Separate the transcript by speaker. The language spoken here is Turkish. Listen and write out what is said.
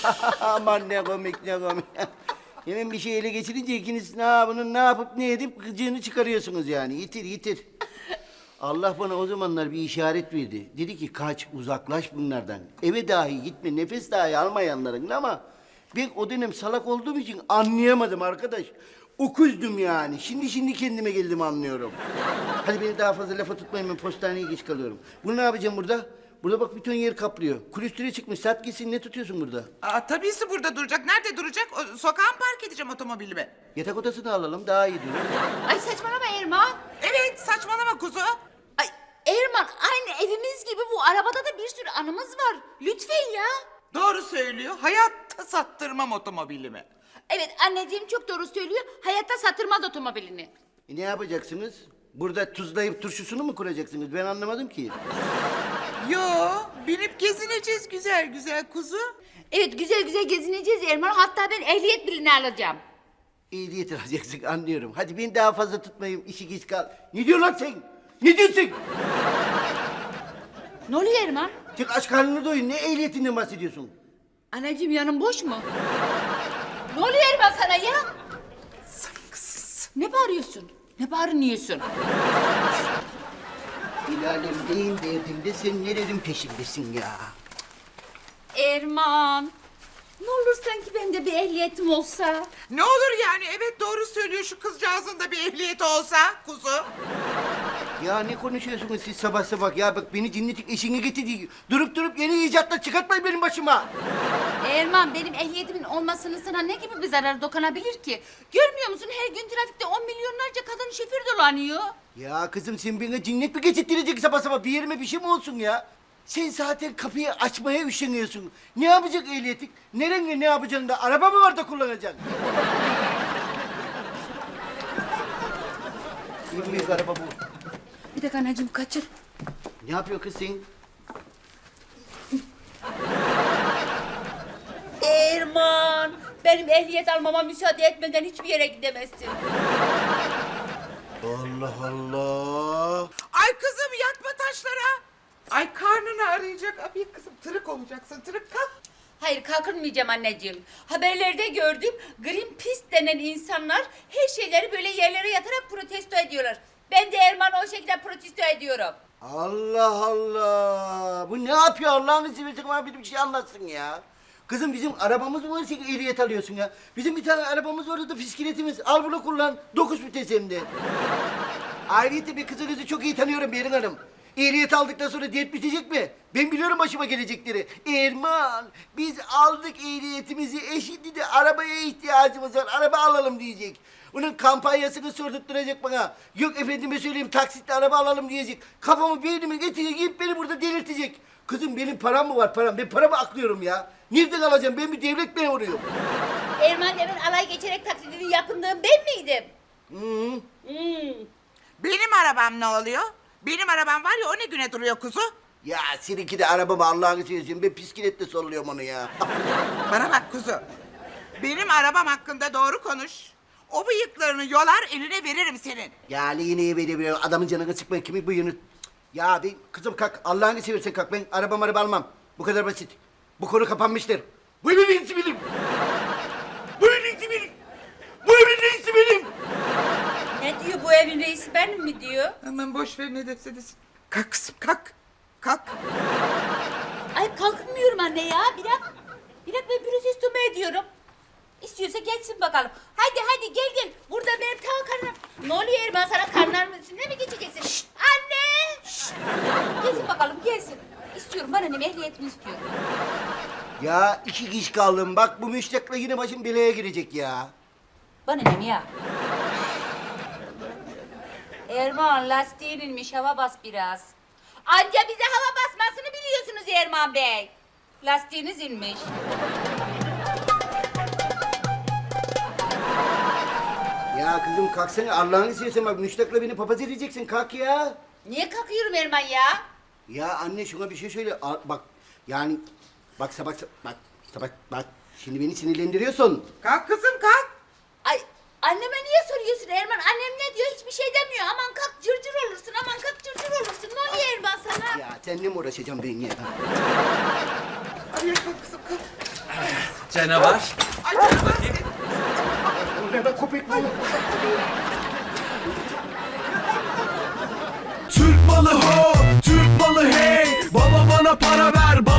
Speaker 1: Aman ne komik ne komik. Hemen bir şey ele geçirince ikiniz bunun ne yapıp ne edip gıcığını çıkarıyorsunuz yani. Yitir yitir. Allah bana o zamanlar bir işaret verdi. Dedi ki kaç, uzaklaş bunlardan. Eve dahi gitme, nefes dahi alma yanlarında ama... Ben o dönem salak olduğum için anlayamadım arkadaş. Okuzdum yani. Şimdi kendime geldim anlıyorum. Hadi beni daha fazla lafa tutmayın, ben postaneye geç kalıyorum. Bunu ne yapacağım burada? Burada bak bütün yer kaplıyor. Külüstüre çıkmış. Sat gitsin, ne tutuyorsun burada?
Speaker 2: Tabisi burada duracak. Nerede duracak? Sokağa mı park edeceğim otomobilimi?
Speaker 1: Yatak odasını alalım, daha iyi durur.
Speaker 3: Ay saçmalama Erman.
Speaker 2: Evet, saçmalama kuzu.
Speaker 3: Ay Erman, aynı evimiz gibi bu arabada da bir sürü anımız var. Lütfen ya.
Speaker 2: Doğru söylüyor. Hayatta sattırmam otomobilimi.
Speaker 3: Evet anneciğim çok doğru söylüyor. Hayatta satırmaz otomobilini.
Speaker 1: Ne yapacaksınız? Burada tuzlayıp turşusunu mu kuracaksınız? Ben anlamadım ki.
Speaker 2: Yo, binip gezineceğiz güzel güzel kuzu.
Speaker 3: Evet güzel güzel gezineceğiz Erman. Hatta ben ehliyet birini alacağım.
Speaker 1: Ehliyet alacaksın, anlıyorum. Hadi beni daha fazla tutmayayım, işi geç kal. Ne diyorsun lan sen? Ne diyorsun?
Speaker 3: Ne oluyor Erman?
Speaker 1: Çık aç karnını doyun, ne ehliyetinden bahsediyorsun?
Speaker 3: Anneciğim yanın boş mu? Ne oluyor Erman sana ya?
Speaker 2: Saygısız.
Speaker 3: Ne bağırıyorsun? Ne bağırıyorsun?
Speaker 1: Hilal'im neyin derdinde, sen nelerin peşindesin ya?
Speaker 3: Erman. Ne olur sanki bende bir ehliyetim olsa.
Speaker 2: Ne olur yani, evet doğru söylüyor, şu kızcağızın da bir ehliyeti olsa kuzu.
Speaker 1: Ya ne konuşuyorsunuz siz sabah sabah ya? Bak beni dinledik, eşini getirdik. Durup yeni icatlar çıkartmayın benim başıma.
Speaker 3: Erman benim ehliyetimin olmasının sana ne gibi bir zararı dokunabilir ki? Görmüyor musun her gün trafikte 10 milyonlarca kadın şoför dolanıyor.
Speaker 1: Ya kızım sen bana cinnet mi geçirttirecek sabah sabah? Bir yerime bir şey mi olsun ya? Sen zaten kapıyı açmaya üşeniyorsun. Ne yapacak ehliyetin? Nerenle ne yapacaksın da? Araba mı var da kullanacaksın? En büyük araba bu.
Speaker 3: Bir dakika anneciğim kaçır.
Speaker 1: Ne yapıyor kız sen?
Speaker 3: Erman benim ehliyet almama müsaade etmeden hiçbir yere gidemezsin.
Speaker 1: Allah Allah.
Speaker 2: Ay kızım yatma taşlara. Ay karnını arayacak. Abi kızım tırık olacaksın, tırık kalk.
Speaker 3: Hayır kalkınmayacağım anneciğim. Haberlerde gördüm Greenpeace denen insanlar her şeyleri böyle yerlere yatarak protesto ediyorlar. Ben de Erman'ı o şekilde protesto ediyorum.
Speaker 1: Allah Allah. Bu ne yapıyor Allah'ını seversen bana bir şey anlatsın ya. Kızım bizim arabamız mı var sen ehliyet alıyorsun ya? Bizim bir tane arabamız var da bisikletimiz. Al bunu kullan. 9 vites hem de. Ayrıca bir kızınızı çok iyi tanıyorum Berin Hanım. Ehliyet aldıktan sonra dert bitecek mi? Ben biliyorum başıma gelecekleri. Erman, biz aldık ehliyetimizi, şimdi de arabaya ihtiyacımız var. Araba alalım diyecek. Bunun kampanyasını sordurtturacak bana. Yok efendime söyleyeyim taksitle araba alalım diyecek. Kafamı beynime getirecek, beni burada delirtecek. Kızım benim param mı var param? Ben paramı aklıyorum ya. Nereden alacağım? Ben bir devlet memuruyum.
Speaker 3: Erman demin alay geçerek taklidini yapındığım ben miydim?
Speaker 2: Benim arabam ne oluyor? Benim arabam var ya, o ne güne duruyor kuzu?
Speaker 1: Ya seninki de arabamı Allah'ını seversen. Ben bisikletle solluyorum onu ya.
Speaker 2: Bana bak kuzu. Benim arabam hakkında doğru konuş. O bıyıklarını yolar, eline veririm senin.
Speaker 1: Ya yine böyle adamın canını sıkmayın. Kimin bıyığını... Ya ben kızım kalk. Allah'ını seversen kalk. Ben araba almam. Bu kadar basit. Bu konu kapanmıştır. Bu evin reisi benim. Bu evin reisi benim. Bu evin reisi benim.
Speaker 3: Ne diyor bu evin reisi benim mi diyor?
Speaker 2: Hemen boş ver ne derse desin. Kalk kızım kalk. Kalk.
Speaker 3: Ay kalkmıyorum anne ya. Bir dakika ben protesto mu ediyorum? İstiyorsa geçsin bakalım. Hadi gel. Burada benim ta karnım. Ne oluyor Erman sana karnlarımın üstünde mi geçeceksin? Şşt, anne! Şşt. Gelsin bakalım gelsin. İstiyorum ben annem ehliyetimi istiyorum.
Speaker 1: Ya 2 kişi kaldım. Bak bu müştakla yine başım belaya girecek ya.
Speaker 3: Bana ne ya? Erman lastiğin inmiş hava bas biraz. Anca bize hava basmasını biliyorsunuz Erman Bey. Lastiğiniz inmiş.
Speaker 1: Ya kızım kalksana Allah'ını seversen bak müştakla beni papaz edeceksin. Kalk ya.
Speaker 3: Niye kalkıyorum Erman ya?
Speaker 1: Ya anne şuna bir şey söyle. Bak yani bak sabah bak şimdi beni sinirlendiriyorsun.
Speaker 2: Kalk kızım kalk.
Speaker 3: Ay anneme niye soruyorsun Erman? Annem ne diyor? Hiçbir şey demiyor. Aman kalk cırcır olursun. Aman kalk cırcır olursun. Ne oluyor Erman sana?
Speaker 1: Ya seninle mi uğraşacağım ben ya?
Speaker 2: Hadi kalk kızım kalk.
Speaker 4: Canavar.
Speaker 2: Ay canım.
Speaker 1: Ne be köpek mi?
Speaker 5: Türk malı ho, Türk malı hey. Baba bana para ver,